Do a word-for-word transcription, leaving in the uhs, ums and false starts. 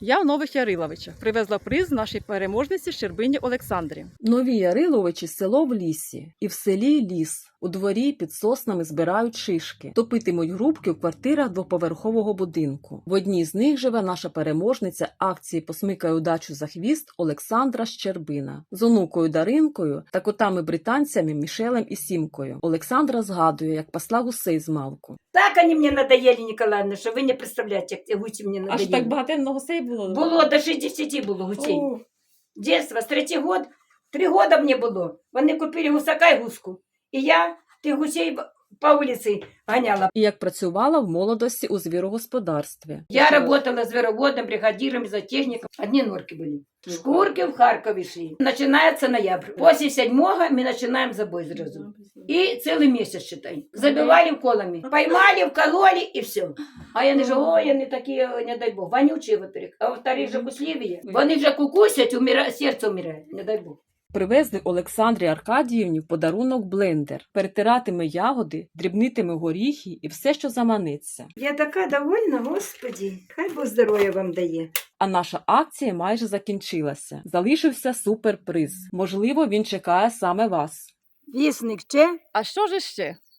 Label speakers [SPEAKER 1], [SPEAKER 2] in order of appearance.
[SPEAKER 1] Я в Нових Яриловичах привезла приз нашій переможниці Щербині Олександрі.
[SPEAKER 2] Нові Яриловичі – село в лісі. І в селі ліс. У дворі під соснами збирають шишки. Топитимуть грубки в квартирах двоповерхового будинку. В одній з них живе наша переможниця акції «Посмикай удачу за хвіст» Олександра Щербина. З онукою Даринкою та котами-британцями Мішелем і Сімкою. Олександра згадує, як пасла гусей з малку.
[SPEAKER 3] Так они мне надоели, Николаевна, что вы не представляете, як ці гусі мені надоели.
[SPEAKER 1] Аж так багато гусей було?
[SPEAKER 3] Було до шістдесят було гусей.
[SPEAKER 1] О.
[SPEAKER 3] Детство, з третій год, три года мені було. Вони купили гусака і гуску. І я тих гусей по вулиці ганяла.
[SPEAKER 2] І як працювала в молодості у звірогосподарстві.
[SPEAKER 3] Я работала звероводом, бригадиром, зоотехником. Одни норки были. Шкурки в Харкові шли. Начинается ноябрь. После седьмого мы начинаем забой сразу. И целый месяц, считай. Забивали вколами. Поймали, вкололи и все. А я не же, ой, они такие, не дай Бог, вонючие, во-первых. А во-вторых, же гусливые. Вони же кукусять, умира... серце умирає, не дай Бог.
[SPEAKER 2] Привезли Олександрі Аркадіївні в подарунок блендер. Перетиратиме ягоди, дрібнитиме горіхи і все, що заманеться.
[SPEAKER 3] Я така довольна, Господи. Хай Бог здоров'я вам дає.
[SPEAKER 2] А наша акція майже закінчилася. Залишився суперприз. Можливо, він чекає саме вас.
[SPEAKER 3] Вісник ще?
[SPEAKER 1] А що ж ще?